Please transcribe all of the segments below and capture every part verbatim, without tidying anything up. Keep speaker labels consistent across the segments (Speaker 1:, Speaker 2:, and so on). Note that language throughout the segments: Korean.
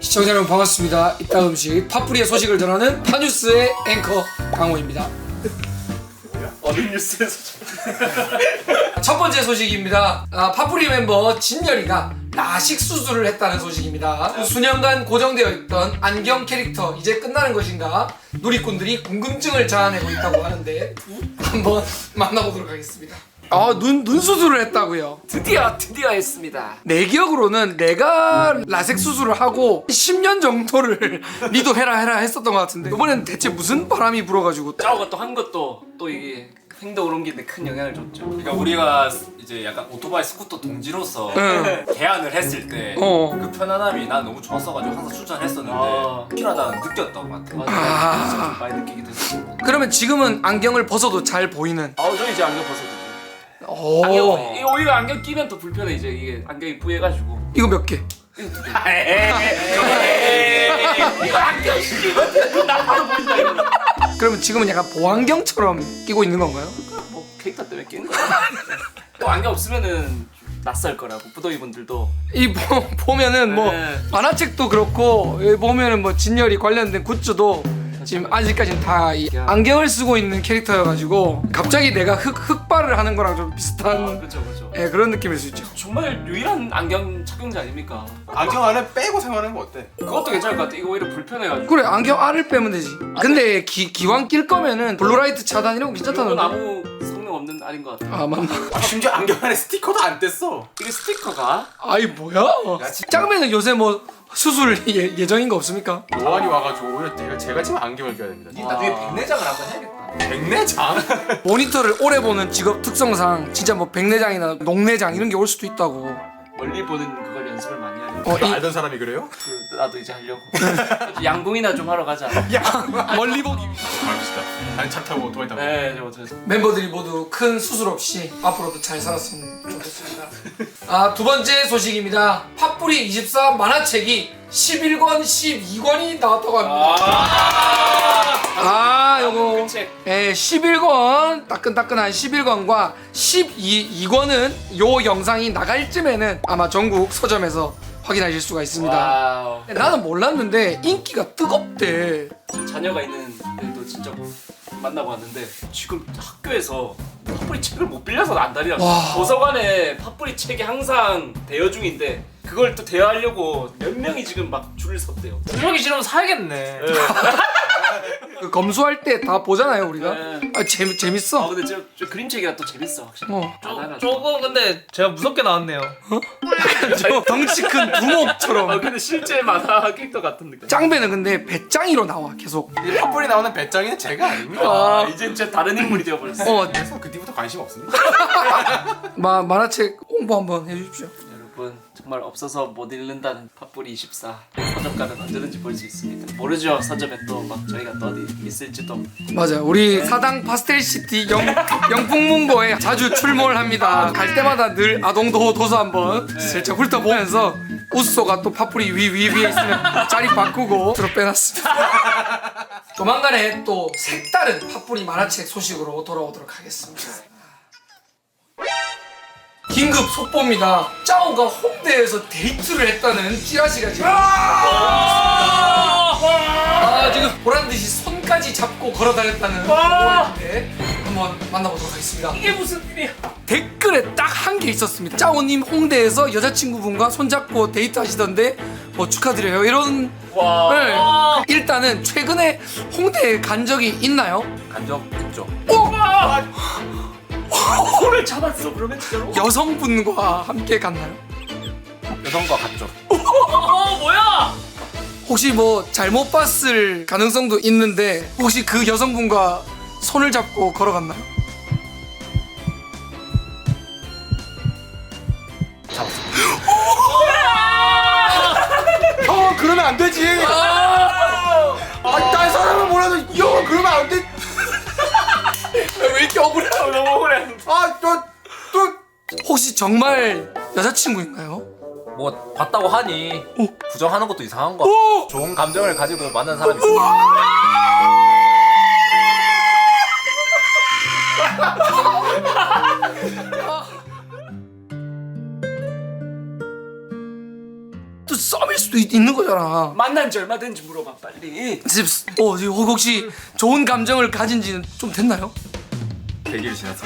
Speaker 1: 시청자 여러분 반갑습니다. 이따 음식 팥뿌리의 소식을 전하는 파뉴스의 앵커 강호입니다.
Speaker 2: 어느 뉴스에서
Speaker 1: 첫 번째 소식입니다. 아, 팥뿌리 멤버 진열이가 라식 수술을 했다는 소식입니다. 수년간 고정되어 있던 안경 캐릭터 이제 끝나는 것인가 누리꾼들이 궁금증을 자아내고 있다고 하는데 한번 만나보도록 하겠습니다. 아, 눈, 눈 수술을 했다고요?
Speaker 3: 드디어 드디어 했습니다.
Speaker 1: 내 기억으로는 내가 라섹 수술을 하고 십 년 정도를 니도 해라 해라 했었던 것 같은데 이번엔 대체 무슨 바람이 불어가지고
Speaker 3: 짜오가 또 한 것도 또 이게 행동을 옮기는데 큰 영향을 줬죠.
Speaker 2: 그러니까 우리가 이제 약간 오토바이 스쿠터 동지로서
Speaker 1: 응.
Speaker 2: 대안을 했을 때 그
Speaker 1: 어.
Speaker 2: 편안함이 난 너무 좋았어가지고 항상 추천했었는데
Speaker 3: 아.
Speaker 2: 필요하다는 느꼈던 것 같아.
Speaker 3: 맞아,
Speaker 1: 아.
Speaker 3: 진짜 좀 많이 느끼게 됐어.
Speaker 1: 그러면 지금은 안경을 벗어도 잘 보이는
Speaker 3: 아우 저 이제 안경 벗어도 돼.
Speaker 1: 오.
Speaker 3: 안경 이 오히려 안경 끼면 더 불편해. 이제 이게 안경이 부해가지고.
Speaker 1: 이거 몇 개?
Speaker 3: 이거 두 개. 이거 안경 끼면 나 바로 보인다 이거.
Speaker 1: 그러면 지금은 약간 보안경처럼 끼고 있는 건가요?
Speaker 3: 뭐 캐릭터 때문에 끼는 거야. 또 안경 없으면은 좀 낯설 거라고 부더이 분들도.
Speaker 1: 이 보, 보면은 뭐
Speaker 3: 네.
Speaker 1: 만화책도 그렇고 여기 보면은 뭐 진열이 관련된 굿즈도 지금 아직까지는 다 이 안경을 쓰고 있는 캐릭터여가지고 갑자기 내가 흑, 흑발을 하는 거랑 좀
Speaker 3: 아,
Speaker 1: 비슷한
Speaker 3: 그렇죠 그렇죠.
Speaker 1: 예, 그런 느낌일 수 있죠.
Speaker 3: 정말 유일한 안경 착용자 아닙니까?
Speaker 4: 안경 안에 빼고 생활하는 거 어때?
Speaker 3: 그것도 괜찮을 것 같아. 이거 오히려 불편해가지고.
Speaker 1: 그래, 안경 알을 빼면 되지. 근데 기, 기왕 낄 거면은 블루라이트 차단 이런 거
Speaker 3: 이건
Speaker 1: 괜찮다는데.
Speaker 3: 아무 성능 없는 알인 것 같아.
Speaker 1: 아, 맞나?
Speaker 4: 아, 심지어 안경 안에 스티커도 안 뗐어.
Speaker 3: 이게 스티커가?
Speaker 1: 아이 뭐야? 짱배는 요새 뭐 수술 예, 예정인 거 없습니까?
Speaker 4: 노안이 와가지고 오히려 제가, 제가 지금 안경을 껴야 됩니다.
Speaker 3: 나중에 백내장을 한번 해야겠다.
Speaker 4: 백내장?
Speaker 1: 모니터를 오래 보는 직업 특성상 진짜 뭐 백내장이나 녹내장 이런 게 올 수도 있다고.
Speaker 3: 멀리 보는 그걸 연습을 많이 하려고.
Speaker 1: 어, 이
Speaker 4: 알던 사람이 그래요?
Speaker 3: 그, 나도 이제 하려고. 양궁이나 좀 하러 가자.
Speaker 1: 멀리 보기.
Speaker 4: 가봅시다. 아니 차 타고 오토바이 타고.
Speaker 3: 네, 저, 저, 저.
Speaker 1: 멤버들이 모두 큰 수술 없이 앞으로도 잘 살았으면 좋겠습니다. 아, 두 번째 소식입니다. 팥뿌리 이십사 만화책이 십일 권, 십이 권이 나왔다고 합니다. 아, 요거
Speaker 3: 그 책.
Speaker 1: 예, 십일 권 따끈따끈한 십일 권과 십이 권은 요 영상이 나갈 쯤에는 아마 전국 서점에서 확인하실 수가 있습니다.
Speaker 3: 와우.
Speaker 1: 나는 몰랐는데 인기가 뜨겁대.
Speaker 3: 저 자녀가 있는 애도 진짜 만나고 왔는데 지금 학교에서 팥뿌리 책을 못 빌려서 안달이 났어.
Speaker 1: 와.
Speaker 3: 도서관에 팥뿌리 책이 항상 대여 중인데 그걸 또 대여하려고 몇 명이 지금 막 줄을 섰대요.
Speaker 2: 들어기 싫으면 사야겠네.
Speaker 1: 그 검수할 때 다 보잖아요, 우리가.
Speaker 3: 네.
Speaker 1: 아, 재미
Speaker 3: 아
Speaker 1: 재밌어.
Speaker 3: 근데 저, 저 그림책이라 또 재밌어 확실히.
Speaker 1: 어.
Speaker 3: 아,
Speaker 2: 조금 근데 제가 무섭게 나왔네요.
Speaker 1: 저 덩치 큰
Speaker 3: 아
Speaker 1: 두목처럼.
Speaker 3: 근데 실제 만화 캐릭터 같은 느낌.
Speaker 1: 짱배는 근데 배짱이로 나와 계속.
Speaker 4: 이 팥불이 나오는 배짱이는 제가 아닙니다.
Speaker 3: 아 이제 진짜 다른 인물이 되어버렸어.
Speaker 1: 어,
Speaker 4: 그래서 그 뒤부터 관심 없습니다.
Speaker 1: 마, 만화책 홍보 한번 해주십시오.
Speaker 3: 여러분 정말 없어서 못 읽는다는 팥뿌리 이십사 서점 가면 언제든지 볼 수 있습니다. 모르죠, 서점에 또 막 저희가 또 어디 있을지도.
Speaker 1: 맞아, 우리 사당 파스텔시티 영, 영풍문고에 자주 출몰을 합니다. 갈 때마다 늘 아동도 도서 한번 슬쩍 훑어보면서 우쏘가 또 팥뿌리 위, 위, 위에 있으면 자리 바꾸고 들어 빼놨습니다. 조만간에 또 색다른 팥뿌리 만화책 소식으로 돌아오도록 하겠습니다. 긴급 속보입니다. 짜오가 홍대에서 데이트를 했다는 찌라시가 지금 아, 지금 보란듯이 손까지 잡고 걸어다녔다는 보고인데 한번 만나보도록 하겠습니다.
Speaker 3: 이게 무슨 일이야?
Speaker 1: 댓글에 딱 한 개 있었습니다. 짜오님 홍대에서 여자친구분과 손잡고 데이트하시던데 뭐 축하드려요 이런.
Speaker 3: 와.
Speaker 1: 네. 일단은 최근에 홍대에 간 적이 있나요?
Speaker 2: 간적 있죠.
Speaker 3: 손을 잡았어 그러면 진짜로?
Speaker 1: 여성분과 함께 갔나요?
Speaker 2: 여성과 같죠.
Speaker 3: 어 뭐야?
Speaker 1: 혹시 뭐 잘못 봤을 가능성도 있는데 혹시 그 여성분과 손을 잡고 걸어갔나요?
Speaker 4: 형 그러면 안 되지. 아, 딴 사람은 몰라도 이 형은 그러면 안 돼.
Speaker 1: 왜 이렇게 억울해?
Speaker 3: 너무 억울해.
Speaker 4: 아또또
Speaker 1: 혹시 정말 여자친구인가요?
Speaker 2: 뭐 봤다고 하니 부정하는 것도 이상한 거.
Speaker 1: 오!
Speaker 2: 좋은 감정을 가지고 만난 사람이 있으니까.
Speaker 1: 또 썸일 수도 있, 있는 거잖아.
Speaker 3: 만난 지 얼마 된지 물어봐 빨리.
Speaker 1: 지금 어 지금 혹시 좋은 감정을 가진 지는 좀 됐나요?
Speaker 2: 백 일 지났어.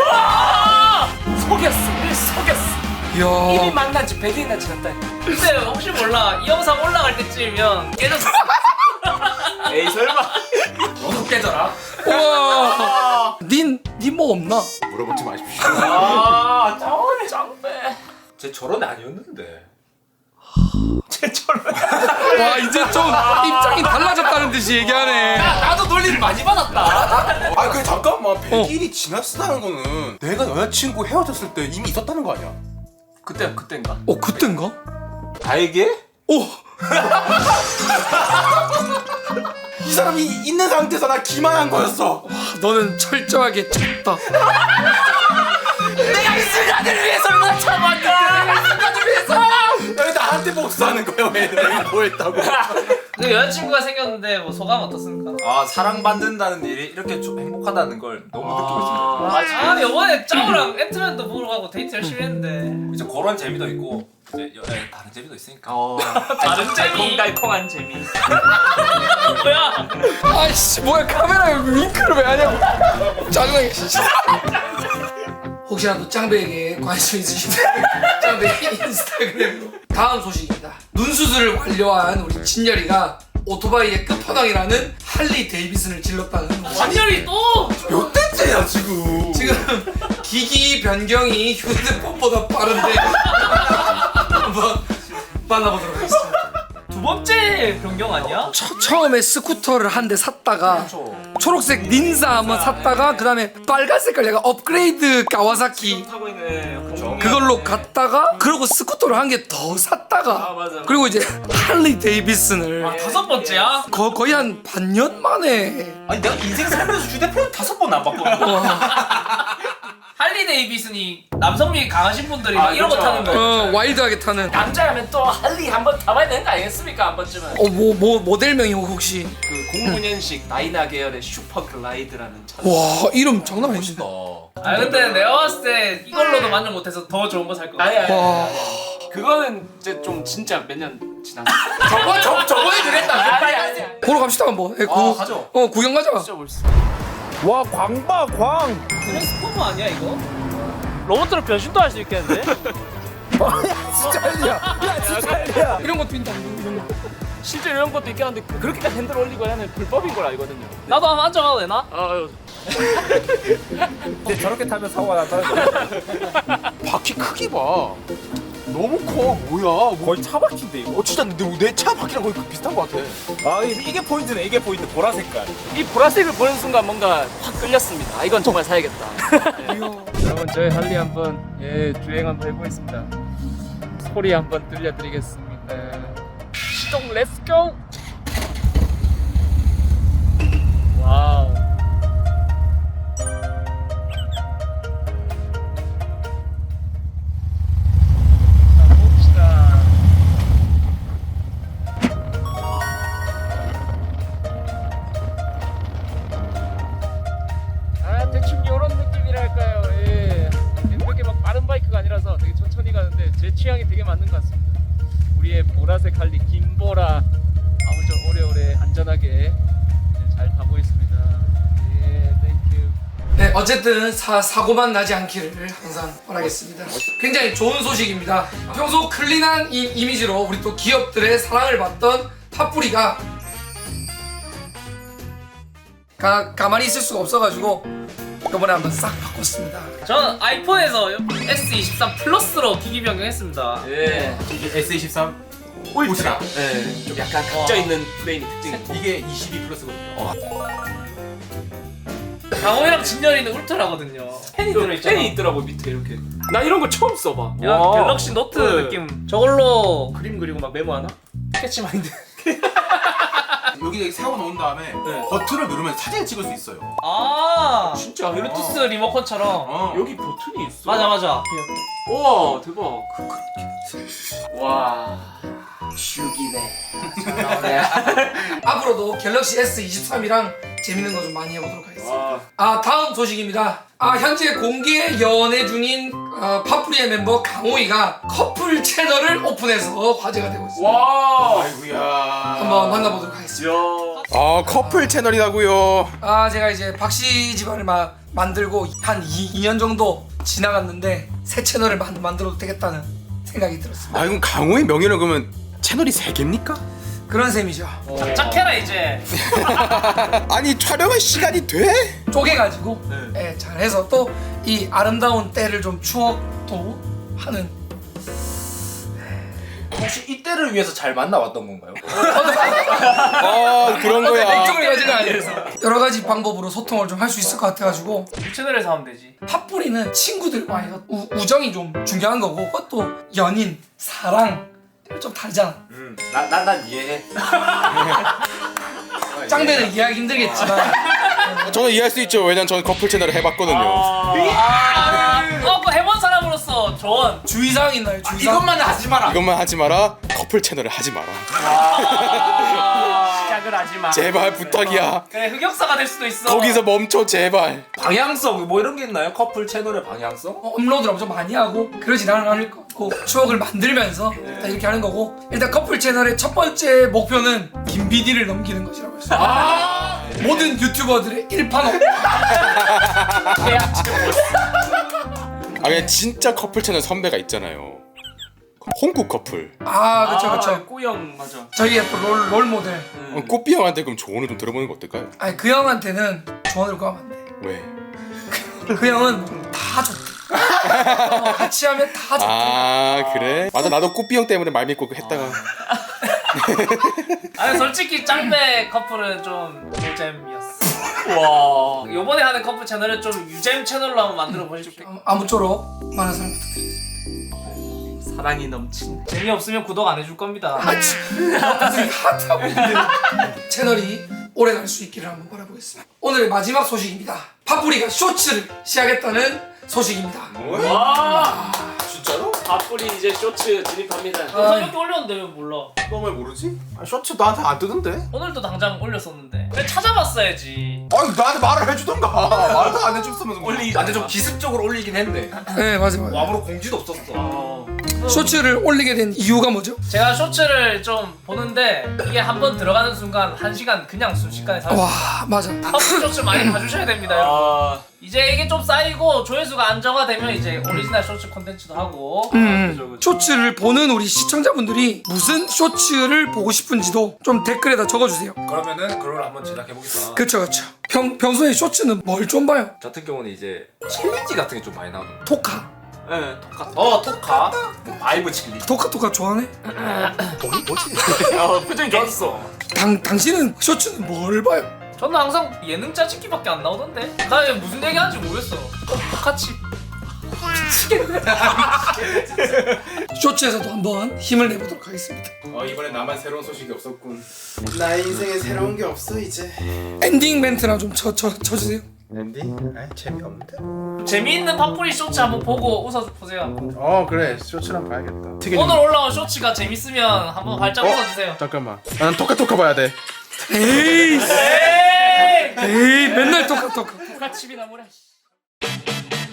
Speaker 3: 속였어. 일 속였어. 이미
Speaker 1: 이야.
Speaker 3: 만난 지 백 일이나 지났다.
Speaker 5: 근데 혹시 몰라 이 영상 올라갈 때쯤이면 깨졌어.
Speaker 3: 에이 설마.
Speaker 5: 너도 깨져라.
Speaker 1: 우와. 닌니뭐 없나?
Speaker 4: 물어보지 마십시오.
Speaker 3: 아 짱배. 짱배.
Speaker 2: 쟤 저런 애 아니었는데.
Speaker 1: 와 이제 좀 입장이 달라졌다는 듯이 얘기하네.
Speaker 3: 나도 놀림 많이 받았다.
Speaker 4: 아, 그 잠깐만. 백 일이 지났다는 거는 내가 여자친구 헤어졌을 때 이미 있었다는 거 아니야?
Speaker 3: 그때 그때인가?
Speaker 1: 어 그땐가?
Speaker 2: 나에게?
Speaker 1: 오.
Speaker 4: 이 사람이 있는 상태에서 나 기만한 거였어.
Speaker 1: 너는 철저하게 쳤다.
Speaker 3: 내가 이 순간을 위해서 얼마나 참았는데. 내가 이 순간을 위해서.
Speaker 4: 왜 나한테 복수하는 거야? 왜 내가 뭐 했다고?
Speaker 5: 그 여자친구가 생겼는데 뭐 소감 어떻습니까?
Speaker 2: 아 사랑받는다는 일이 이렇게 좀 행복하다는 걸 너무 느끼고 있습니다.
Speaker 5: 아 이번에 짜오랑 앤트맨도 보러 가고 데이트 열심히 했는데
Speaker 2: 이제 그런 재미도 있고 이제 여, 예, 다른 재미도 있으니까.
Speaker 3: 어.
Speaker 5: 다른 재미
Speaker 3: 달콤달콤한 재미.
Speaker 5: 뭐야?
Speaker 1: 아이씨 뭐야 카메라에 윙크를 왜 하냐고. 짜증나게 진짜. 혹시라도 짱배에게 관심 있으시면 짱배 인스타그램으로. 다음 소식입니다. 눈수술을 완료한 우리 진열이가 오토바이의 끝판왕이라는 할리 데이비슨을 질렀다는.
Speaker 5: 완전히 또
Speaker 4: 몇 대째야 지금?
Speaker 1: 지금 기기 변경이 휴대폰보다 빠른데 한번 만나보도록 하겠습니다.
Speaker 5: 두 번째 변경 아니야?
Speaker 1: 처, 처음에 스쿠터를 한 대 샀다가 초록색 닌자 한번 샀다가 그 다음에 빨간 색깔 약간 업그레이드 가와사키
Speaker 3: 타고 있네. 그쵸.
Speaker 1: 그걸로 갔다가 그러고 스쿠터를 한 개 더 샀다가
Speaker 3: 아 맞아.
Speaker 1: 그리고 이제 할리 데이비슨을
Speaker 5: 아 다섯 번째야?
Speaker 1: 거, 거의 한 반년 만에.
Speaker 2: 아니 내가 인생 살면서 휴대폰 다섯 번 안 바꿨는데.
Speaker 5: 할리 데이비슨이 남성미 강하신 분들이
Speaker 3: 아,
Speaker 5: 막 이런 거
Speaker 3: 그렇죠.
Speaker 5: 타는 거.
Speaker 1: 어 와일드하게 타는.
Speaker 3: 남자라면 또 할리 한번 타봐야 되는 거 아니겠습니까? 한 번쯤은.
Speaker 1: 어 뭐 뭐 모델명이 혹시.
Speaker 3: 그 공구 년식 다이나 계열의 슈퍼 글라이드라는 차.
Speaker 1: 와 이름 장난 아니지.
Speaker 5: 아 근데 내가 봤을 때 이걸로도 만족 못해서 더 좋은 거 살 거 같아.
Speaker 3: 아니 아니.
Speaker 1: 와.
Speaker 3: 그거는 이제 좀 진짜 몇 년 지났어.
Speaker 4: 저번 저 저번에 그랬다.
Speaker 3: 아니 아니. 아니.
Speaker 1: 보러 갑시다 한번. 예, 구,
Speaker 2: 아, 가죠.
Speaker 1: 어 구경 가자.
Speaker 3: 진짜 멋있어.
Speaker 4: 와 광봐 광.
Speaker 5: 트랜스포머 아니야 이거? 로봇으로 변신도 할 수 있겠는데?
Speaker 4: 진짜 할리야. 야 진짜 할리야.
Speaker 1: 이런 것도 있다. 이런 거.
Speaker 3: 실제 이런 것도 있긴 한데 그렇게까지 핸들 올리고 하는 불법인 걸 알거든요.
Speaker 5: 나도 한번 앉아가도 되나?
Speaker 3: 아유.
Speaker 2: 근데 저렇게 타면 사고가 나더라고.
Speaker 4: 바퀴 크기 봐. 너무 커. 뭐야?
Speaker 2: 거의 차 바퀴인데 이거.
Speaker 4: 어 진짜 내 차 바퀴랑 거의 그 비슷한 거 같아.
Speaker 2: 아 이게 포인트네. 이게 포인트. 보라 색깔.
Speaker 3: 이 보라색을 보는 순간 뭔가 확 끌렸습니다. 아, 이건 정말 사야겠다.
Speaker 6: 여러분 저희 할리 한번 예 주행 한번 해보겠습니다. 소리 한번 들려드리겠습니다. 시동 렛츠고! 와우. 자, 봅시다. 아 대충 요런 느낌이랄까요. 예. 그렇게 막 빠른 바이크가 아니라서 되게 천천히 가는데 제 취향이 되게 맞는 것 같습니다. 우리의 보라색 할리 김보라 아무쪼록 오래오래 안전하게 예, 잘 타고 있습니다. 예, 땡큐.
Speaker 1: 네, 어쨌든 사, 사고만 나지 않기를 항상 바라겠습니다. 굉장히 좋은 소식입니다. 평소 클린한 이, 이미지로 우리 또 기업들의 사랑을 받던 팥뿌리가 가, 가만히 있을 수가 없어가지고 이번에 한번 싹 바꿨습니다.
Speaker 5: 저는 아이폰에서 에스 이십삼 플러스로 기기 변경했습니다.
Speaker 3: 예.
Speaker 2: 이게 에스 이십삼
Speaker 3: 울트라. 예. 좀 약간 각져 있는 프레임이 특징이.
Speaker 2: 이게 이십이 플러스거든요.
Speaker 5: 강호이랑 진열이는 울트라거든요. 펜이 들어있잖아.
Speaker 3: 펜이 있더라고 밑에 이렇게. 나 이런 거 처음 써봐.
Speaker 5: 야
Speaker 3: 와.
Speaker 5: 갤럭시 노트
Speaker 3: 네.
Speaker 5: 느낌. 저걸로
Speaker 3: 그림 그리고 막 메모하나? 캐치 마인드.
Speaker 4: 여기 세워 놓은 다음에 버튼을 누르면 사진을 찍을 수 있어요.
Speaker 5: 아
Speaker 3: 진짜
Speaker 5: 블루투스 리모컨처럼.
Speaker 4: 어.
Speaker 3: 여기 버튼이 있어.
Speaker 5: 맞아 맞아.
Speaker 3: 우와 대박. 와 죽이네.
Speaker 1: 앞으로도 갤럭시 에스 이십삼이랑 재밌는 거 좀 많이 해보도록 하겠습니다. 아 다음 소식입니다. 아 현재 공개 연애 중인 어, 파프리의 멤버 강호이가 커플 채널을 오픈해서 화제가 되고 있습니다.
Speaker 3: 와.
Speaker 4: 아이고야.
Speaker 1: 한번 만나보도록 하겠습니다.
Speaker 4: 아 커플 채널이라고요.
Speaker 1: 아 제가 이제 박씨 집안을 막 만들고 한 이 년 정도 지나갔는데 새 채널을 만, 만들어도 되겠다는 생각이 들었습니다.
Speaker 4: 아 이건 강호의 명예는 그러면 채널이 세 개입니까?
Speaker 1: 그런 셈이죠.
Speaker 5: 짝해라 이제.
Speaker 4: 아니 촬영할 시간이 돼?
Speaker 1: 쪼개가지고 예, 잘해서 또 이 아름다운 때를 좀 추억도 하는.
Speaker 2: 혹시 이때를 위해서 잘 만나왔던 건가요?
Speaker 4: 아 그런 거야.
Speaker 1: 이쪽을 가지고 아니라서 여러 가지 방법으로 소통을 좀 할 수 있을 것 같아가지고
Speaker 5: 이 채널에서 하면 되지.
Speaker 1: 팥뿌리는 친구들과의 우, 우정이 좀 중요한 거고 그것도 연인, 사랑 좀 다르잖아.
Speaker 2: 음, 나난 이해해.
Speaker 1: 짱배는 이해하기 힘들겠지만
Speaker 4: 저는 이해할 수 있죠. 왜냐면 저는 커플 채널을 해봤거든요.
Speaker 5: 아, 어, 그 해본 사람으로서 조언.
Speaker 1: 주의사항 있나요? 주의사항?
Speaker 2: 이것만 하지 마라.
Speaker 4: 이것만 하지 마라. 커플 채널을 하지 마라.
Speaker 5: 시작을 하지 마.
Speaker 4: 제발 부탁이야.
Speaker 5: 그래 흑역사가 될 수도 있어.
Speaker 4: 거기서 멈춰 제발.
Speaker 2: 방향성 뭐 이런 게 있나요? 커플 채널의 방향성?
Speaker 1: 어, 업로드를 엄청 많이 하고 그러진 않을 것 같고 추억을 만들면서 일단 이렇게 하는 거고 일단 커플 채널의 첫 번째 목표는 김비디를 넘기는 것이라고 했어요. 아~ 모든 유튜버들의 일판업.
Speaker 4: 아 그냥 진짜 커플 채널 선배가 있잖아요. 홍구 커플.
Speaker 1: 아 그쵸 그쵸.
Speaker 3: 꾸영 맞아.
Speaker 1: 저희의 또 롤 롤 모델.
Speaker 4: 어, 꼬삐 형한테 그럼 조언을 좀 들어보는 거 어떨까요?
Speaker 1: 아니 그 형한테는 조언을 구하면 안 돼.
Speaker 4: 왜?
Speaker 1: 그 형은 다 좋대. 어, 같이 하면 다 좋대.
Speaker 4: 아 그래? 맞아 나도 꼬삐 형 때문에 말 믿고 했다가
Speaker 5: 아니 솔직히 짱배 커플은 좀 노잼이었어. 와. 요번에 하는 커플 채널은 좀 유잼 채널로 한번 만들어 보실게요.
Speaker 1: 어, 아무쪼록 많은 사랑 부탁드립니다.
Speaker 3: 사랑이 넘친.
Speaker 5: 재미없으면 구독 안 해줄 겁니다.
Speaker 1: 아치. 갑자기 하트하고 있는데 채널이 오래 갈 수 있기를 한번 바라보겠습니다. 오늘의 마지막 소식입니다. 파뿌리가 쇼츠를 시작했다는 소식입니다.
Speaker 5: 와.
Speaker 2: 진짜로?
Speaker 3: 파뿌리 이제 쇼츠 진입합니다.
Speaker 5: 영상밖에 올렸는데 왜 몰라?
Speaker 2: 너 왜 모르지? 아, 쇼츠 나한테 안 뜨던데?
Speaker 5: 오늘도 당장 올렸었는데. 왜 찾아봤어야지.
Speaker 2: 아니 나한테 말을 해주던가. 말도 안 해줬으면 올리. 나한테 좀 기습적으로 올리긴 했네.
Speaker 1: 네 맞아요.
Speaker 2: 아무런 공지도 없었어.
Speaker 5: 어.
Speaker 1: 쇼츠를 올리게 된 이유가 뭐죠?
Speaker 5: 제가 쇼츠를 좀 보는데 이게 한 번 들어가는 순간 한 시간 그냥 순식간에 다.
Speaker 1: 와 맞아.
Speaker 5: 커플 쇼츠 많이 봐주셔야 됩니다, 여러분.
Speaker 3: 아,
Speaker 5: 이제 이게 좀 쌓이고 조회수가 안정화되면 이제 오리지널 쇼츠 콘텐츠도 하고.
Speaker 1: 음, 쇼츠를 보는 우리 시청자분들이 무슨 쇼츠를 보고 싶은지도 좀 댓글에다 적어주세요.
Speaker 2: 그러면은 그걸 한번 제작해보겠다.
Speaker 1: 그쵸 그쵸. 평, 평소에 쇼츠는 뭘 좀 봐요?
Speaker 2: 저 같은 경우는 이제 챌린지 같은 게 좀 많이 나오거든요.
Speaker 1: 토카.
Speaker 3: 네, 똑같아.
Speaker 2: 어 토카. 바이브 챌린지.
Speaker 1: 토카 토카 좋아하네?
Speaker 3: 어, 표정이 좋았어.
Speaker 1: 당, 당신은 쇼츠는 뭘 봐요?
Speaker 5: 저는 항상 예능 짜집기밖에 안 나오던데. 나 이게 무슨 얘기하는지 모르겠어. 똑같이.
Speaker 1: 쇼츠에서도 한번 힘을 내보도록 하겠습니다.
Speaker 4: 어 이번엔 나만 새로운 소식이 없었군. 나 인생에 새로운 게 없어 이제.
Speaker 1: 엔딩 멘트나 좀 쳐, 쳐, 쳐주세요.
Speaker 4: 엔딩? 아 재미없는데?
Speaker 5: 재미있는 팝뿌리 쇼츠 한번 보고 웃어보세요.
Speaker 4: 어 그래 쇼츠랑 봐야겠다.
Speaker 5: 오늘 올라온 쇼츠가 재밌으면 한번 발작 웃어주세요.
Speaker 4: 잠깐만. 나는 토카토카 봐야 돼.
Speaker 1: 에이
Speaker 5: 에이!
Speaker 1: 에이 맨날 토카 토카.
Speaker 5: 똑같이 비나 뭐래.